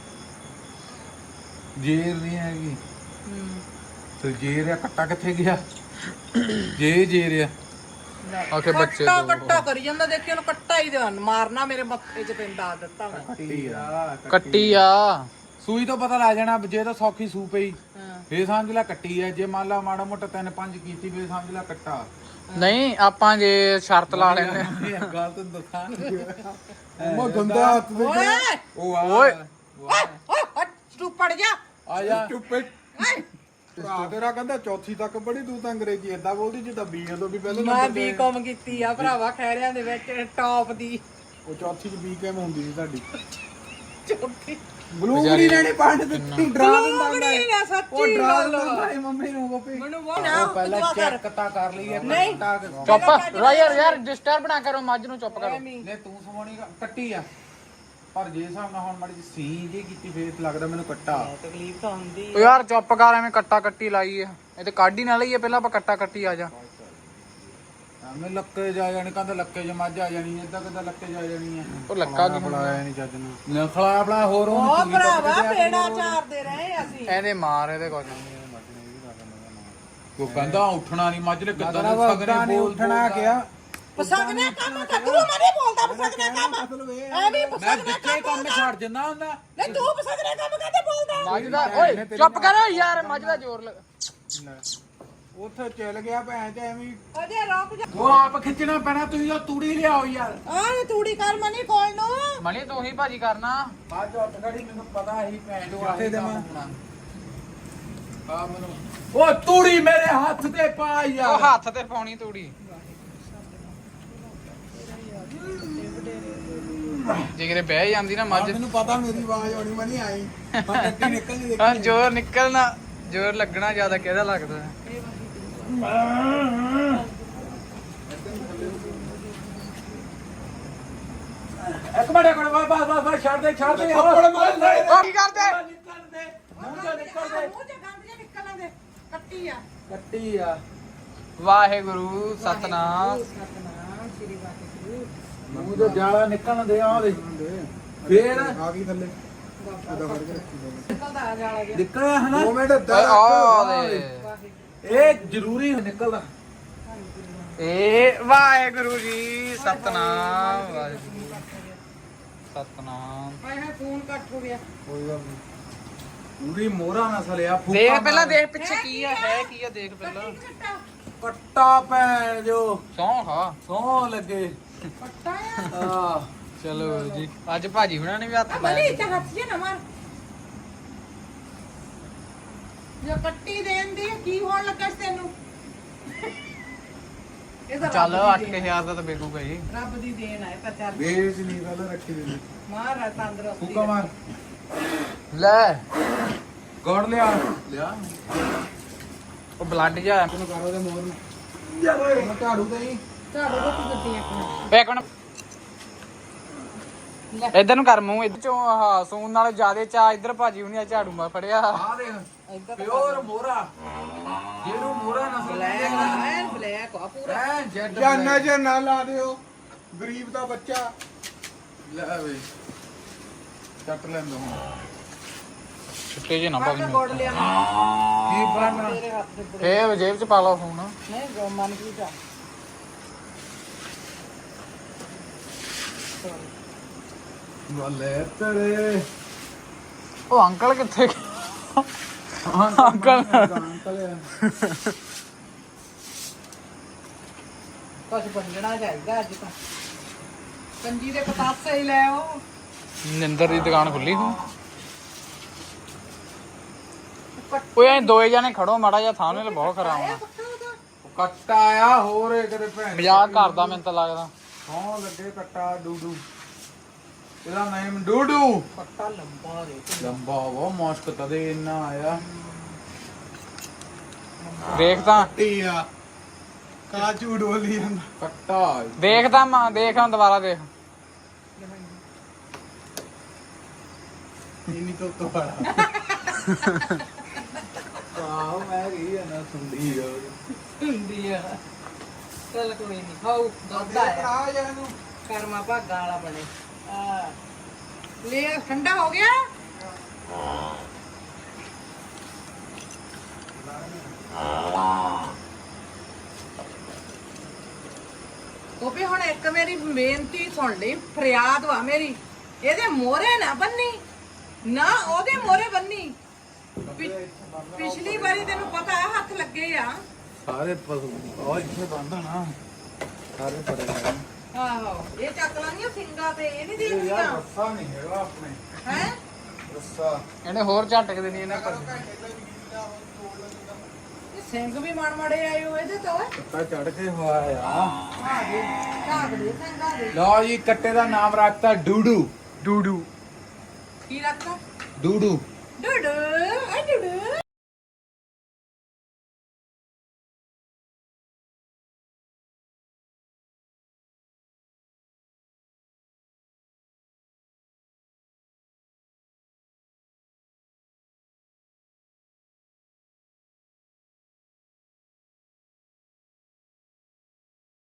Speaker 3: ਜੇਰ ਨਹੀਂ ਹੈਗੀ
Speaker 2: ਹੂੰ
Speaker 3: ਤੇ ਜੇਰ ਆ। ਕੱਟਾ ਕਿੱਥੇ ਗਿਆ? ਜੇ ਜੇਰ ਆ।
Speaker 1: ਆਖੇ ਬੱਚੇ
Speaker 2: ਕੱਟਾ
Speaker 1: ਦੋ।
Speaker 2: ਕੱਟਾ ਕਰੀ ਜਾਂਦਾ। ਦੇਖੀ ਉਹਨੂੰ ਕੱਟਾ ਹੀ ਦੇ ਮਾਰਨਾ ਮੇਰੇ ਮੱਥੇ 'ਚ ਤੈਨੂੰ ਦੱਸ ਦਿੱਤਾ ਮੈਂ।
Speaker 3: ਕੱਟੀ ਆ।
Speaker 1: ਕੱਟੀ ਆ।
Speaker 3: ਸੂਈ ਤੋਂ ਪਤਾ ਲੱਗ ਜਾਣਾ ਜੇ ਤਾਂ ਸੌਖੀ ਸੂ ਪਈ
Speaker 2: ਹਾਂ
Speaker 3: ਫੇਰ ਸਮਝ ਲੈ ਕੱਟੀ ਆ। ਜੇ ਮੰਨ ਲਾ ਮਾੜਾ ਮੋਟਾ ਤਿੰਨ ਪੰਜ ਕੀਤੀ ਫੇਰ ਸਮਝ ਲੈ ਕੱਟਾ।
Speaker 1: ਨਹੀਂ ਆਪਾਂ ਜੇ ਸ਼ਰਤ ਲਾ ਲੈਂਦੇ।
Speaker 3: ਇਹ ਗੱਲ ਤੈਨੂੰ ਦੱਸਾਂ।
Speaker 5: ਉਹ ਗੰਦਾ ਹੱਥ ਦੇ।
Speaker 2: ਓਏ
Speaker 3: ਉਹ ਆ
Speaker 1: ਓਏ।
Speaker 2: ਓਏ ਓਏ ਤੂੰ ਪੜ ਜਾ।
Speaker 3: ਆ ਜਾ।
Speaker 5: ਚੁੱਪੇ। ਭਰਾ ਤੇਰਾ ਕਹਿੰਦਾ ਚੌਥੀ ਤੱਕ ਪੜ੍ਹੀ। ਤੂੰ ਤਾਂ ਅੰਗਰੇਜ਼ੀ ਏਦਾਂ ਬੋਲਦੀ ਜਿੱਦਾਂ ਬੀਏ ਤੋਂ ਵੀ ਪਹਿਲੇ
Speaker 2: ਮੈਂ
Speaker 5: ਨੰਬਰ ਤੇ।
Speaker 2: ਬੀਕਾਮ ਕੀਤੀ ਆ ਭਰਾਵਾ ਖੈਰਿਆਂ ਦੇ ਵਿੱਚ ਟੌਪ ਦੀ।
Speaker 5: ਉਹ ਚੌਥੀ ਚ ਬੀਕਮ ਹੁੰਦੀ ਸੀ ਤੁਹਾਡੀ।
Speaker 2: ਚੌਥੀ
Speaker 5: ਬਲੂਬਰੀ ਨੇ ਨਹੀਂ ਪੰਡ ਦਿੱਤੀ ਡਰਾ ਦਿੰਦਾ ਹੁੰਦਾ
Speaker 2: ਬਲੂਬਰੀ
Speaker 5: ਹੈ।
Speaker 2: ਨੇ ਸੱਚੀ
Speaker 5: ਉਹ ਡਰਾ
Speaker 2: ਗੱਲ।
Speaker 5: ਦਿੰਦਾ ਹੁੰਦਾ ਹੈ ਮੰਮੀ ਨੂੰ ਗੋਪੀ।
Speaker 2: ਮੈਨੂੰ ਉਹ ਨਾ
Speaker 3: ਪਹਿਲਾਂ
Speaker 2: ਦੁਆ ਕਰ
Speaker 3: ਚੈੱਕ ਤਾਂ ਕਰ ਲਈਏ
Speaker 2: ਨਹੀਂ।
Speaker 1: ਚੁੱਪ ਰਾ ਯਾਰ ਯਾਰ ਡਿਸਟਰਬ ਨਾ ਕਰੋ ਮੱਝ ਨੂੰ ਚੁੱਪ ਕਰੋ
Speaker 3: ਨੇ ਤੂੰ ਸਮਾਉਣੀ ਕੱਟੀ ਆ ਪਰ ਜੇ ਹਿਸਾਬ ਨਾਲ ਹੁਣ ਮਾੜੀ ਜਿਹੀ ਸੀ ਜੇ ਕੀਤੀ ਫੇਰ ਲੱਗਦਾ ਮੈਨੂੰ ਕੱਟਾ
Speaker 2: ਤਕਲੀਫ ਤਾਂ ਹੁੰਦੀ
Speaker 1: ਓ ਯਾਰ ਚੁੱਪ ਕਰ ਐਵੇਂ ਕੱਟਾ ਕੱਟੀ ਲਾਈ ਆ ਇਹ ਤੇ ਕੱਢ ਹੀ ਨਾ ਲਈਏ ਪਹਿਲਾਂ ਆਪਾਂ ਕੱਟਾ ਕੱਟੀ ਆ ਜਾ
Speaker 3: ਐਵੇਂ ਲੱਕੇ ਜਾ ਜਾਣੀ ਕਹਿੰਦਾ ਲੱਕੇ ਚ ਮੱਝ ਆ ਜਾਣੀ ਏਦਾਂ ਕਿੱਦਾਂ ਲੱਕੇ ਜਾ ਜਾਣੀ ਆ
Speaker 1: ਉਹ ਲੱਕਾ ਕੀ
Speaker 5: ਬੁਲਾਇਆ ਨਹੀਂ ਚੱਜ ਨਾਲ।
Speaker 3: ਨਖਲਾ ਆਪਣਾ ਹੋਰ
Speaker 2: ਉਹ
Speaker 3: ਉਹਨੂੰ
Speaker 2: ਭਰਾਵਾ ਪੇੜਾ ਚਾਰਦੇ ਰਹੇ ਅਸੀਂ
Speaker 1: ਇਹਦੇ ਮਾਰ ਇਹਦੇ ਕੁਝ ਨਹੀਂ
Speaker 3: ਕੋ ਕਹਿੰਦਾ ਉੱਠਣਾ ਨਹੀਂ ਮੱਝ ਨੇ ਕਿੱਦਾਂ
Speaker 5: ਮਤਲਬ
Speaker 3: ਦੇ
Speaker 5: ਉਦਾਂ ਨਹੀਂ ਉੱਠਣਾ ਕਿਹਾ।
Speaker 2: ਪਸੰਗਨੇ ਕੰਮ ਕਰੂ ਮਰੇ ਬੋਲਦਾ ਪਸੰਗਨੇ ਕੰਮ
Speaker 5: ਮਤਲਬ ਇਹ
Speaker 2: ਐ ਵੀ
Speaker 3: ਮੈਂ
Speaker 2: ਪਸੰਗਨੇ
Speaker 3: ਜਿੱਥੇ ਕੰਮ ਛੱਡ ਦਿੰਦਾ ਹੁੰਦਾ
Speaker 2: ਨਹੀਂ ਤੂੰ ਪਸੰਗਨੇ ਕੰਮ ਕਾਤੇ ਬੋਲਦਾ
Speaker 1: ਮੱਝ ਦਾ ਓਏ ਚੁੱਪ ਕਰ ਯਾਰ ਮੱਝ ਦਾ ਜ਼ੋਰ ਲੱਗ
Speaker 5: ਉੱਥੇ ਚੱਲ ਗਿਆ ਭੈਣ ਤੇ ਐਵੇਂ ਹੀ।
Speaker 2: ਅਜੇ ਰੁਕ ਜਾ
Speaker 3: ਉਹ ਆਪ ਖਿੱਚਣਾ ਪੈਣਾ ਤੁਸੀਂ ਉਹ ਤੂੜੀ ਲਿਆਓ ਯਾਰ
Speaker 2: ਆਹ ਤੂੜੀ ਕਰ ਮਨੀ ਕੋਲ ਨੂੰ
Speaker 1: ਮਣੀ ਤੂੰ ਹੀ ਭਾਜੀ ਕਰਨਾ
Speaker 3: ਬਾਅਦ ਚ ਉੱਠ ਖੜੀ ਮੈਨੂੰ ਪਤਾ ਹੀ ਭੈਣ ਜੋ ਆਹੀ ਕੰਮ ਹੋਣਾ ਆ ਮੈਨੂੰ ਉਹ ਤੂੜੀ ਮੇਰੇ ਹੱਥ ਤੇ ਪਾ
Speaker 1: ਉਹ
Speaker 3: ਯਾਰ
Speaker 1: ਹੱਥ ਤੇ ਪਾਉਣੀ ਤੂੜੀ ਜੇ ਕਿਤੇ ਬਹਿ ਜਾਂਦੀ ਨਾ ਮੱਝ
Speaker 5: ਮੈਨੂੰ ਪਤਾ ਮੇਰੀ ਆਵਾਜ਼ ਆਉਣੀ ਮੈਂ ਨਹੀਂ ਆਈ ਮੈਂ ਗੱਡੀ ਨਿਕਲਣੀ
Speaker 1: ਹਾਂ
Speaker 5: ਦੇਖੀ।
Speaker 1: ਜ਼ੋਰ ਨਿਕਲਣਾ ਜ਼ੋਰ ਲੱਗਣਾ ਜ਼ਿਆਦਾ ਕਿਹਦਾ ਲੱਗਦਾ
Speaker 3: ਇੱਕ ਮਿੰਟ ਇੱਕ ਮਿੰਟ ਬਸ ਬਸ ਬਸ ਛੱਡ ਦੇ ਛੱਡ ਦੇ
Speaker 5: ਥੱਪੜ ਮਾਰ ਲੈ।
Speaker 1: ਉਹ ਕੀ ਕਰਦੇ
Speaker 3: ਨਿਕਲ ਦੇ ਮੂੰਹ ਚੋਂ ਨਿਕਲ ਦੇ
Speaker 2: ਮੂੰਹ ਚ ਗੰਦ ਜੇ ਨਿਕਲਣ ਦੇ ਕੱਟੀ ਆ
Speaker 3: ਕੱਟੀ ਆ
Speaker 1: ਵਾਹਿਗੁਰੂ ਸਤਨਾਮ
Speaker 2: ਸਤਨਾਮ ਸ੍ਰੀ ਵਾਹਿਗੁਰੂ
Speaker 3: ਮੂੰਹ ਤੋਂ ਜਾਲਾ ਨਿਕਲਣ ਦੇ ਆ ਦੇ ਫੇਰ
Speaker 5: ਆ ਗਈ ਥੱਲੇ ਉਹਦਾ ਫੜ ਕੇ ਰੱਖੀ ਜਾਓ।
Speaker 2: ਨਿਕਲਦਾ ਆ ਜਾਲਾ ਗਿਆ
Speaker 3: ਨਿਕਲਿਆ ਹਨਾ
Speaker 5: ਦੋ ਮਿੰਟ
Speaker 1: ਓਏ
Speaker 5: ਏਦਾਂ
Speaker 1: ਆ
Speaker 5: ਰੱਖ।
Speaker 1: ਦੇ
Speaker 3: ਇਹ ਜ਼ਰੂਰੀ ਨਿਕਲਦਾ
Speaker 1: ਏ ਵਾਹਿਗੁਰੂ ਜੀ ਸਤਨਾਮ ਵਾਹਿਗੁਰੂ ਸਤਨਾਮ
Speaker 2: ਹਾਏ ਹਾਏ ਫੋਨ ਕੱਟ ਹੋ ਗਿਆ
Speaker 5: ਕੋਈ ਗੱਲ ਨਹੀਂ।
Speaker 3: ਪੂਰੀ ਮੋਹਰਾ ਨਾ ਸਲਿਆ ਫੂਕਾ
Speaker 1: ਦੇਖ
Speaker 3: ਮਾਰ।
Speaker 1: ਪਹਿਲਾਂ ਦੇਖ ਪਿੱਛੇ ਕੀ ਆ ਹੈ ਕੀ ਆ ਦੇਖ ਪਹਿਲਾਂ
Speaker 2: ਕੱਟਾ
Speaker 3: ਕੱਟਾ ਭੈਣ ਜੋ
Speaker 1: ਸੌਂ ਖਾ
Speaker 3: ਸੌ ਲੱਗੇ
Speaker 2: ਕੱਟਾ ਆ
Speaker 3: ਆ
Speaker 1: ਚਲੋ ਜੀ ਅੱਜ ਭਾਜੀ ਹੁਣਾਂ ਨੇ ਵੀ ਹੱਥ
Speaker 2: ਬਲੀ
Speaker 1: ਲਾਇਆ
Speaker 2: ਤੇ ਹੱਥ ਜੇ ਨਾ ਮਾਰ ਜੋ ਕੱਟੀ ਦੇਣ ਦੀ ਕੀ ਹੋਣ ਲੱਗਾ ਸੀ ਤੈਨੂੰ ਇਹ ਤਾਂ
Speaker 1: ਚੱਲ
Speaker 2: ਰੱਬ
Speaker 1: ਅੱਠ
Speaker 2: ਦੀ ਦੇਣ
Speaker 1: ਹਜ਼ਾਰ ਦਾ ਤਾਂ ਬੇਕੂਗਾ ਜੀ
Speaker 2: ਆ। ਰੱਬ ਦੀ ਦੇਣ ਹੈ ਤਾਂ ਚੱਲ
Speaker 5: ਵੇਚ ਨਹੀਂ ਗੱਲ ਰੱਖੀ ਦੇ
Speaker 2: ਮਾਰ ਤੰਦਰੁਸਤੀ
Speaker 3: ਫੂਕਾ ਮਾਰ
Speaker 1: ਲੈ
Speaker 3: ਗੋੜ ਲਿਆ ਲਿਆ
Speaker 1: ਉਹ ਬਲੱਡ ਜਾ
Speaker 5: ਤੈਨੂੰ ਕਰ ਉਹਦੇ ਮੋਰ ਨੂੰ ਯਾਰ ਓਏ ਝਾੜੂ ਦੇ ਹੀ
Speaker 2: ਝਾੜੂ ਦੇ ਤੂੰ ਗੱਡੀ ਇੱਕ
Speaker 1: ਇੱਕ ਮਿੰਟ ਇਧਰ ਨੂੰ ਕਰ ਮੂੰਹ ਇਧਰ ਚੋਂ ਆਹ ਸੂਨ ਨਾਲੇ ਜਿਆਦੇ ਚਾ ਇਧਰ ਭਾਜੀ ਹੁਣੀ ਆ ਝਾੜੂ ਮਾ ਫੜਿਆ
Speaker 3: ਆ ਦੇਖ ਪਿਓਰ ਮੋਹਰਾ ਜਿਹਨੂੰ ਮੋਹਰਾ ਨਸਲ
Speaker 2: ਐਨ ਬਲੈਕ ਆ ਪੂਰਾ
Speaker 3: ਐ ਜੈਡ
Speaker 5: ਜਾਂ ਨਜ਼ਰ ਨਾ ਲਾ ਦਿਓ ਗਰੀਬ ਦਾ ਬੱਚਾ
Speaker 3: ਲੈ ਵੇ ਚੱਟ ਲੈਂਦਾ ਹੁਣ
Speaker 1: ਛੁੱਟੇ ਜੇ ਨਾ
Speaker 2: ਮੈਂ
Speaker 1: ਭਾਜੀ
Speaker 2: ਗੋੜ ਲਿਆ
Speaker 3: ਕੀ ਬਣਨਾ
Speaker 2: ਤੇਰੇ ਹੱਥ ਦੇ
Speaker 1: ਫੇਰ ਜੇਬ ਚ ਪਾ ਲਓ ਫੋਨ
Speaker 2: ਨਹੀਂ ਜੋ ਮਨ ਕੀ ਜਾ
Speaker 3: ਬੱਲੇ ਤੇਰੇ
Speaker 1: ਉਹ ਅੰਕਲ ਕਿੱਥੇ ਗਏ? ਅੰਕਲ
Speaker 3: ਅੰਕਲ
Speaker 2: ਕੁਝ ਬੰਦਣਾ ਚਾਹੀਦਾ ਅੱਜ ਤਾਂ ਕੰਜੀ ਦੇ ਪਤਾਸੇ ਹੀ ਲੈ ਆਓ
Speaker 1: ਨਿੰਦਰ ਦੀ ਦੁਕਾਨ ਖੁੱਲੀ ਹੂੰ ਓਏ ਐ ਦੋਏ ਜਾਣੇ ਖੜੋ ਮਾੜਾ ਜਿਹਾ ਥਾਂ ਨੇ ਬਹੁਤ ਖਰਾਬ ਆ
Speaker 3: ਕੱਟਾ ਆ ਹੋਰ ਇਹ ਕਦੇ ਭੈਣ
Speaker 1: ਮਜ਼ਾਕ ਕਰਦਾ ਮੈਨੂੰ ਤਾਂ ਲੱਗਦਾ
Speaker 3: ਸੌ ਲੱਗੇ ਕੱਟਾ ਡੂਡੂ ਇਹਦਾ ਨਾਮ ਡੂਡੂ
Speaker 2: ਪੱਟਾ ਲੰਬਾ ਦੇ
Speaker 3: ਲੰਬਾ ਵਾ ਮੁਸ਼ਕ ਤਦੇ ਇੰਨਾ ਆਇਆ
Speaker 1: ਦੇਖ ਤਾਂ
Speaker 5: ਟੀ ਆ ਕਾਜੂ ਡੋਲੀ ਜਾਂਦਾ
Speaker 3: ਕੱਟਾ
Speaker 1: ਦੇਖ ਤਾਂ ਮਾਂ ਦੇਖ ਹੁਣ ਦੁਬਾਰਾ ਦੇਖ
Speaker 5: ਇੰਨੀ ਤੋਂ ਤੋਂ ਬੜਾ
Speaker 3: ਆਹ ਮੈਂ ਗਈ ਆ ਨਾ ਸੁਣਦੀ ਆ
Speaker 2: ਹੁੰਦੀ ਆ ਚੱਲ ਕੋਈ ਨਹੀਂ ਹਾਉ ਦੋਦਾ ਹੈ
Speaker 5: ਆ ਜਾ ਨੂੰ
Speaker 2: ਕਰਮਾ ਭਾਗਾ ਵਾਲਾ ਬਣੇ ਆ ਲੈ ਠੰਡਾ ਹੋ ਗਿਆ ਉਹ ਵੀ ਹੁਣ ਇੱਕ ਮੇਰੀ ਬੇਨਤੀ ਸੁਣ ਲਈ ਫਰਿਆਦ ਵਾ ਮੇਰੀ ਇਹਦੇ ਮੋਹਰੇ ਨਾ ਬੰਨੀ ਨਾ ਉਹਦੇ ਮੋਹਰੇ ਬੰਨੀ ਪਿ- ਪਿਛਲੀ ਵਾਰੀ ਤੈਨੂੰ ਪਤਾ ਹੈ ਹੱਥ ਲੱਗੇ ਆ
Speaker 3: ਸਾਰੇ ਪਸ਼ੂ ਉਹ ਇੱਥੇ ਬੰਦਾ ਨਾ ਸਾਰੇ ਪੜੇ ਨੇ
Speaker 2: ਆਹੋ ਇਹ ਚੱਕ ਲਾਂਗੀਆਂ ਸਿੰਗਾ ਤੇ ਇਹ ਨਹੀਂ
Speaker 3: ਇਹ ਯਾਰ
Speaker 2: ਦੇਖਦੀਆਂ
Speaker 3: ਰੱਸਾ ਨਹੀਂ ਹੈਗਾ ਆਪਣੇ
Speaker 2: ਹੈ
Speaker 3: ਰੱਸਾ
Speaker 1: ਇਹਨੇ ਹੋਰ ਝਟਕ ਦੇਣੀ ਇਹਨਾਂ ਪਰ
Speaker 2: ਇਹ ਸਿੰਘ ਵੀ ਮਣ ਮੜੇ ਆਏ ਹੋ ਇਹਦੇ ਤੋਂ
Speaker 3: ਕੱਟਾ ਚੜ ਕੇ ਹੋਇਆ ਆ
Speaker 2: ਆ ਦੇ ਝਾਕ ਦੇ ਸਿੰਘਾਂ ਦੇ
Speaker 3: ਲਓ ਜੀ ਕੱਟੇ ਦਾ ਨਾਮ ਰੱਖਤਾ ਡੂਡੂ
Speaker 1: ਡੂਡੂ
Speaker 2: ਕੀ ਰੱਖਦਾ
Speaker 3: ਡੂਡੂ
Speaker 2: ਡੂਡੂ ਆ ਡੂਡੂ